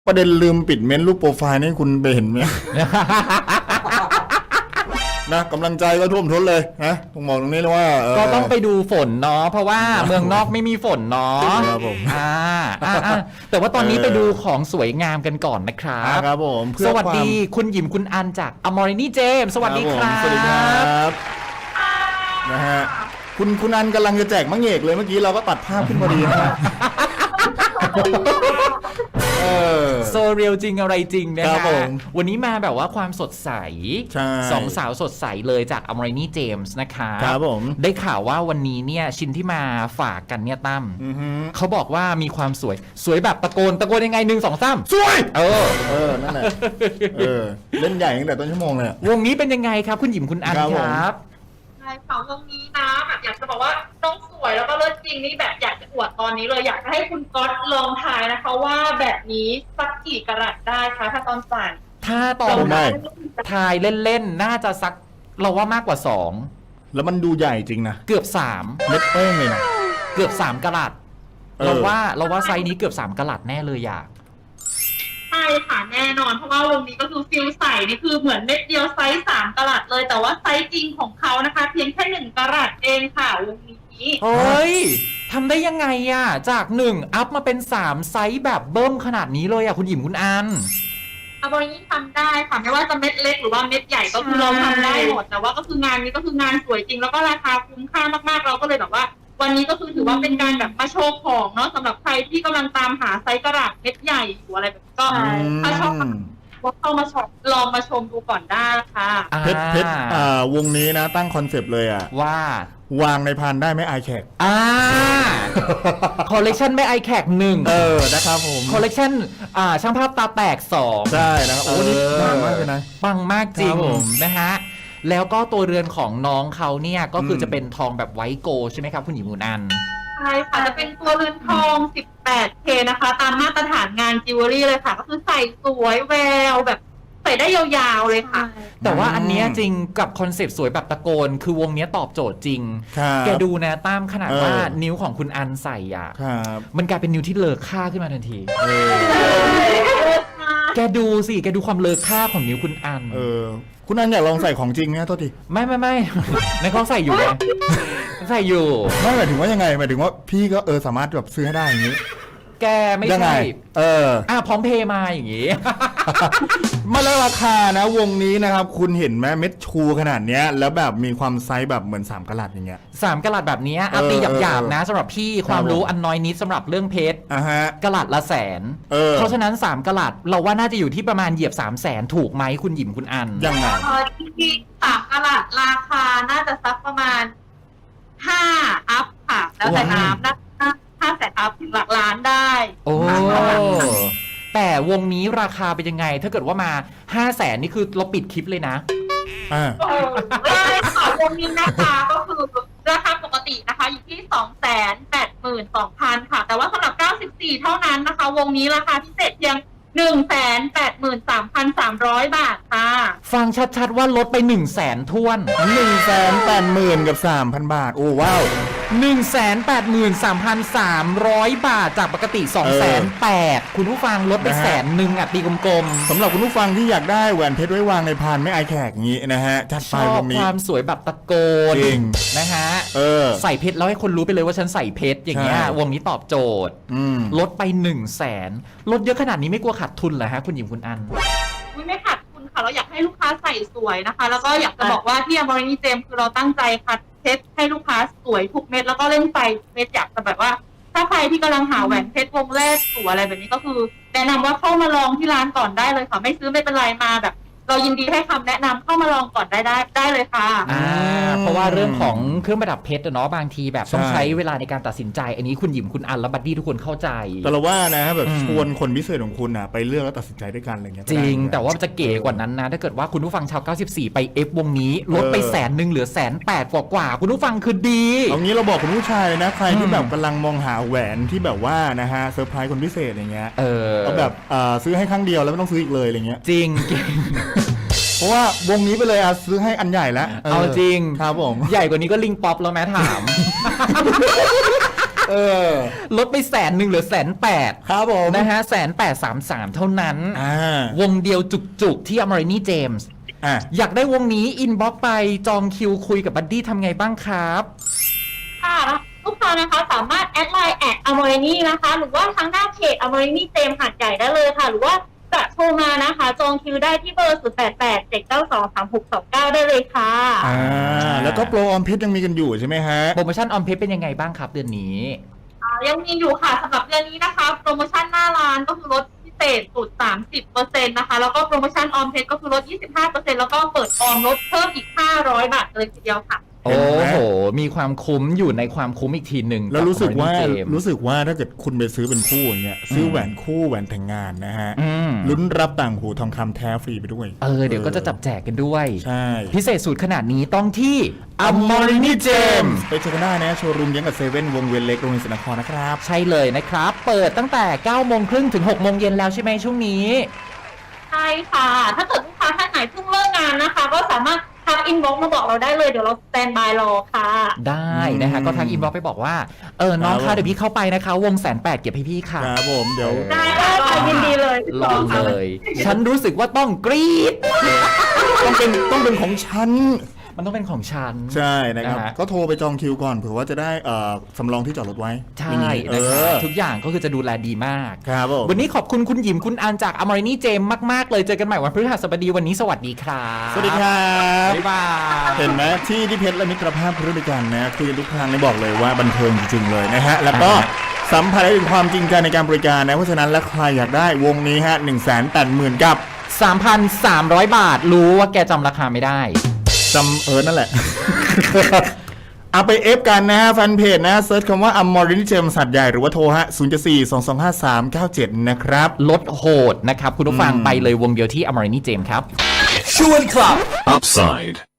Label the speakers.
Speaker 1: ประเด็นลืมปิดเมนต์รูปโปรไฟล์นี่คุณไปเห็นไหม นะกำลังใจก็ท่วมท้นเลยนะผมบอกตรงนี้เลยว่า
Speaker 2: ก็ต้องไปดูฝนเนาะเพราะว่าเมืองนอกไม่มีฝนเนาะ
Speaker 1: ครับผม
Speaker 2: แต่ว่าตอนนี้ไปดูของสวยงามกันก่อนนะครับ
Speaker 1: ครับผม
Speaker 2: สวัสดีคุณหยิมคุณอันจากอมรินีเจมสวัสดีครับ
Speaker 1: สวัสดีครับนะฮะคุณอันกำลังจะแจกมะเงกเลยเมื่อกี้เราก็ตัดภาพขึ้นพอดีนะฮะ
Speaker 2: โซเรียลจริงอะไรจริงนะ
Speaker 1: ครั
Speaker 2: ฮะ
Speaker 1: บผม
Speaker 2: วันนี้มาแบบว่าความสดใส
Speaker 1: ใช่
Speaker 2: สองสาวสดใสเลยจากอมรินีเจมส์นะคะ
Speaker 1: ครับผม
Speaker 2: ได้ข่าวว่าวันนี้เนี่ยชิ้นที่มาฝากกันเนี่ยตั้ม
Speaker 1: อือฮึ
Speaker 2: เขาบอกว่ามีความสวยแบบตะโกนยังไง1 2 3
Speaker 1: สวย
Speaker 2: นั่นแหละ
Speaker 1: เล่นใหญ่ตั้งแต่ต้นชั่วโมงเลยอะ
Speaker 2: วงนี้เป็นยังไงครับคุณหยิมคุณอัน
Speaker 1: ครับ
Speaker 2: ค
Speaker 1: ผม
Speaker 2: รับ
Speaker 3: ใช่ค่ะวงนี้นะแบบอยากจะบอกว่าน้องสวยแล้วก็เลิศจริงนี่แบบอยากจะอวดตอนนี้เลยอยากจะให้คุณก๊อตลองทายนะคะว่าแบบนี้สักกี่กะรัตได้คะถ้าตอนใส่
Speaker 2: ถ้าตอนทายเล่นๆน่าจะสักเราว่ามากกว่า2
Speaker 1: แล้วมันดูใหญ่จริงนะ
Speaker 2: เกือบ
Speaker 1: เล็กเป้งเลยนะ
Speaker 2: 3เกือบ3กะรัตเราว่าไซส์นี้เกือบ3กะรัตแน่เลยอยาก
Speaker 3: ใช่ค่ะแน่นอนเพราะว่าวงนี้ก็คือฟิลใส่นี่คือเหมือนเม็ดเดียวไซส์3กะรัตเลยแต่ว่าไซส์จริงของเขานะคะเพียงแค่1กะรัตเองค่ะวงนี้
Speaker 2: เฮ้ยทำได้ยังไงอ่ะจาก1อัพมาเป็น3ไซส์แบบเบิ้มขนาดนี้เลยอ่ะคุณหยิมคุณอัน
Speaker 3: อาบรินี้ทำได้ค่ะไม่ว่าจะเม็ดเล็กหรือว่าเม็ดใหญ่ก็คือเราทำได้หมดแต่ว่าก็คืองานนี้ก็คืองานสวยจริงแล้วก็ราคาคุ้มค่ามากๆเราก็เลยแบบว่า วันนี้ก็คือถือว่าเป็นการแบบมาโชว์ของเนาะสำหรับใครที่กำลังตามหาไซส์กระดาษเม็ดใหญ่อยู่อะไรแบบนี้ก็ถ้าชอบก็เข้ามาชมลองมาชมดูก่อนได้ค่ะ
Speaker 1: เพชรวงนี้นะตั้งคอนเซปต์เลยอ่ะ
Speaker 2: ว่าว
Speaker 1: างในพานได้ไม่อายแขก
Speaker 2: คอลเลกชันไม่ไอแขก1
Speaker 1: นะครับผม
Speaker 2: คอลเลกชันช่างภาพตาแตก2
Speaker 1: ใช่นะครับโอ้นี่ปังมากเลยนะ
Speaker 2: ปังมากจริง
Speaker 1: ครับผม
Speaker 2: นะฮะแล้วก็ตัวเรือนของน้องเขาเนี่ยก็คือจะเป็นทองแบบไวท์โกลด์ใช่ไหมครับคุณหญิงมูนัน
Speaker 3: ใช่ค่ะจะเป็นตัวเรือนทอง 18K นะคะ ตามมาตรฐานงานจิวเวลรี่เลยค่ะ ก็คือใส่สวยแววแบบใส่ได้ยาวๆเลยค่ะ
Speaker 2: แต่ว่าอันเนี้ยจริงกับคอนเซปต์สวยแบบตะโกน คือวงเนี้ยตอบโจทย์จริง
Speaker 1: ครับ
Speaker 2: แกดูนะตามขนาดว่านิ้วของคุณอันใส่อ่ะ
Speaker 1: ครับ
Speaker 2: มันกลายเป็นนิ้วที่เลอค่าขึ้นมาทันที แกดูสิแกดูความเลอค่าของนิ้วคุณอัน
Speaker 1: คุณอันอยากลองใส่ของจริงนะโทษที
Speaker 2: ไม่ ในเขาใส่อยู่ไงใส่อยู่
Speaker 1: ไม่หมายถึงว่ายังไงหมายถึงว่าพี่ก็สามารถแบบซื้อให้ได้อย่างนี้
Speaker 2: แกไม่
Speaker 1: ยังไง
Speaker 2: ใช่ พร้อมเพย์มาอย่างงี้
Speaker 1: มาแล้วราคานะวงนี้นะครับคุณเห็นไหมเม็ดชูขนาดเนี้ยแล้วแบบมีความไซส์แบบเหมือน3กะรัตอย่างเงี้ย
Speaker 2: 3กะรัตแบบนี้ตีหยาบๆนะสำหรับพี่ความรู้อันน้อยนิดสำหรับเรื่องเพชรกะรัตละ100,000เพราะฉะนั้น3กะรัตเราว่าน่าจะอยู่ที่ประมาณเหยียบ300,000ถูกไหมคุณหยิมคุณอัน
Speaker 1: ยังไง
Speaker 3: ที่3กะรัตราคาน่าจะสักประมาณ5อัพค่ะ แล้วแต่น้ำนะ500,000อัพถึงหลักล้านได้
Speaker 2: โอ้แต่วงนี้ราคาเป็นยังไงถ้าเกิดว่ามา500,000นี่คือเราปิดคลิปเลยนะ
Speaker 3: ได้ค่ะวงนี้นะคะก็คือราคาปกตินะคะอยู่ที่ 282,000 ค่ะแต่ว่าสำหรับ94เท่านั้นนะคะวงนี้ราคาพิเศษเพียง 183,300 บาทค่ะ
Speaker 2: ฟังชัดๆว่าลดไป100,000ท้วน
Speaker 1: 180,000กับ 3,000 บาทโอ้ว้าว
Speaker 2: 183,300 บาทจากปกติ 208,000คุณผู้ฟังลดไป100,000อ่ะตีกลมๆ
Speaker 1: สำหรับคุณผู้ฟังที่อยากได้แหวนเพชรไว้วางในพานไม่อายแขกอย่างนี้นะฮะจัด
Speaker 2: ช
Speaker 1: ไป
Speaker 2: อบ
Speaker 1: วงนี้
Speaker 2: ความสวยแบบตะโกน
Speaker 1: จริง
Speaker 2: นะฮะ
Speaker 1: ใส่
Speaker 2: ใส่เพชรแล้วให้คนรู้ไปเลยว่าฉันใส่เพชรอย่างเงี้ย
Speaker 1: ใช่
Speaker 2: วงนี้ตอบโจทย์ลดไป100,000ลดเยอะขนาดนี้ไม่กลัวขาดทุนเหรอฮะคุณหญิงคุณอัน
Speaker 3: ไม่ขาดทุนค่ะเราอยากให้ลูกค้าใส่สวยนะคะ แล้วก็อยากจะบอกว่าที่อมรินีเจมคือเราตั้งใจคัดเพชรให้ลูกค้าสวยทุกเม็ดแล้วก็เล่นไฟเม็ดอยากจะแบบว่า ถ้าใครที่กำลังหาแหวนเพชรวงแรกสวยอะไรแบบนี้ก็คือแนะนำว่าเข้ามาลองที่ร้านก่อนได้เลยค่ะไม่ซื้อไม่เป็นไรมาแบบ เรายินดีให้คำแนะนำเข้ามาลองก่อนได้เลยค่ะ
Speaker 2: เพราะว่าเรื่องของเครื่องประดับเพชรเนาะบางทีแบบต้องใช้เวลาในการตัดสินใจอันนี้คุณหยิมคุณอันและบัดดี้ทุกคนเข้าใจ
Speaker 1: แต่เราว่านะแบบชวนคนพิเศษของคุณนะไปเลือกแล้วตัดสินใจด้วยกันอะไรเงี้ย
Speaker 2: จริงแต่ว่าจะเก๋กว่านั้นนะถ้าเกิดว่าคุณผู้ฟังชาว94ไปเอฟวงนี้ลดไป100,000เหลือ180,000กว่าคุณผู้ฟังคือดี
Speaker 1: เอางี้เราบอกคุณผู้ชายนะใครที่แบบกำลังมองหาแหวนที่แบบว่านะฮะเซอร์ไพรส์คนพิเศษอย่างเงี้ยเอาแบบซื้อให้ครั้งเดียวแล้วไม่ต้องซื้ออีกเลยอะไรเงี้ย
Speaker 2: จริง
Speaker 1: เพราะว่าวงนี้ไปเลยซื้อให้อันใหญ่แล้ว
Speaker 2: เอาจริง
Speaker 1: ครับผม
Speaker 2: ใหญ่กว่านี้ก็ลิงป๊อปแล้วแม้ถามลดไป100,000เหลือ180,000
Speaker 1: ครับผม
Speaker 2: นะฮะ180,333เท่านั้นวงเดียวจุกๆที่ Amorini James อยากได้วงนี้อินบ็อกซ์ไปจองคิวคุยกับบัดดี้ทำไงบ้างครับ
Speaker 3: ค่ะลูกค้านะคะสามารถแอดไลน์@Amorini นะคะหรือว่าทางหน้าเพจ Amorini James หาดใหญ่ได้เลยค่ะหรือว่าจะโทรมานะคะจองคิวได้ที่เบอร์0887923629ได้เลยค่ะ
Speaker 1: แล้วก็โปรออมเพชรยังมีกันอยู่ใช่ไหมฮะ
Speaker 2: โปรโมชั่นออมเพชรเป็นยังไงบ้างครับเดือนนี้
Speaker 3: ยังมีอยู่ค่ะสำหรับเดือนนี้นะคะโปรโมชั่นหน้าร้านก็คือลดพิเศษสุด 30% นะคะแล้วก็โปรโมชั่นออมเพชรก็คือลด 25% แล้วก็เปิดออมลดเพิ่มอีก500 บาทเลยทีเดียวค่ะ
Speaker 2: โอ้โหมีความคุ้มอยู่ในความคุ้มอีกทีหนึ่ง
Speaker 1: แล้วรู้สึกว่าถ้าเกิดคุณไปซื้อเป็นคู่อย่างเงี้ยซื้อแหวนคู่แหวนแต่งงานนะฮะลุ้นรับต่างหูทองคำแท้ฟรีไปด้วย
Speaker 2: เดี๋ยวก็จะจับแจกกันด้วย
Speaker 1: ใช่
Speaker 2: พิเศษสุดขนาดนี้ต้องที่ Amorini James
Speaker 1: ไปเจอกันได้นะโชว์รูมยังกับเซเว่นวงเวียนเล็กโรงเรียนศรีนครนะครับ
Speaker 2: ใช่เลยนะครับเปิดตั้งแต่9:30ถึง6:00 นแล้วใช่ไหมช่วงนี้
Speaker 3: ใช่ค่ะถ้าเกิดลูกค้าท่านไหนเพิ่งเลิกงานนะคะก็สามารถทักอินบ็อกซ์มาบอกเราได้เลยเดี๋ยวเราสแตนบายรอค่ะ
Speaker 2: ได้นะคะก็ทักอินบ็อกซ์ไปบอกว่าน้องคะเดี๋ยวพี่เข้าไปนะคะวง180,000เก็บให้พี่ค่ะ
Speaker 1: ครับผมเดี๋ยว
Speaker 3: ได้ค่ะยินดีเลย
Speaker 2: ลองเลยฉันรู้สึกว่าต้องกรี๊ด
Speaker 1: ต้องเป็นของฉัน
Speaker 2: มันต้องเป็นของฉัน
Speaker 1: ใช่นะครับก็โทรไปจองคิวก่อนเผื่อว่าจะได้สำรองที่จอดรถไว้
Speaker 2: ใช่นะครับทุกอย่างก็คือจะดูแลดีมาก
Speaker 1: ครับ
Speaker 2: วันนี้ขอบคุณคุณหยิมคุณอันจาก Amorini James มากๆเลยเจอกันใหม่วันพฤหัสบดีวันนี้สวัสดีครับ
Speaker 1: สวัสดีครับ
Speaker 2: บ๊ายบาย
Speaker 1: เห็นไหมที่เพชรและมิตรภาพบริการนะคุยกันทุกครั้งบอกเลยว่าบันเทิงจริงๆเลยนะฮะแล้วก็สัมผัสได้ถึงความจริงใจในการบริการนะเพราะฉะนั้นแล้วใครอยากได้วงนี้ฮะ180,000กับ
Speaker 2: 3,300 บาทรู้ว่าแกจำราคาไม่ได้
Speaker 1: จำนั่นแหละ เอาไปเอฟกันนะฮะแฟนเพจนะเซิร์ชคำว่า Amorini James สัตว์ใหญ่หรือว่าโทรฮะ074225397นะครับ
Speaker 2: ลดโหดนะครับคุณผู้ฟังไปเลยวงเดียวที่ Amorini James ครับ
Speaker 4: ชวนคลับ Upside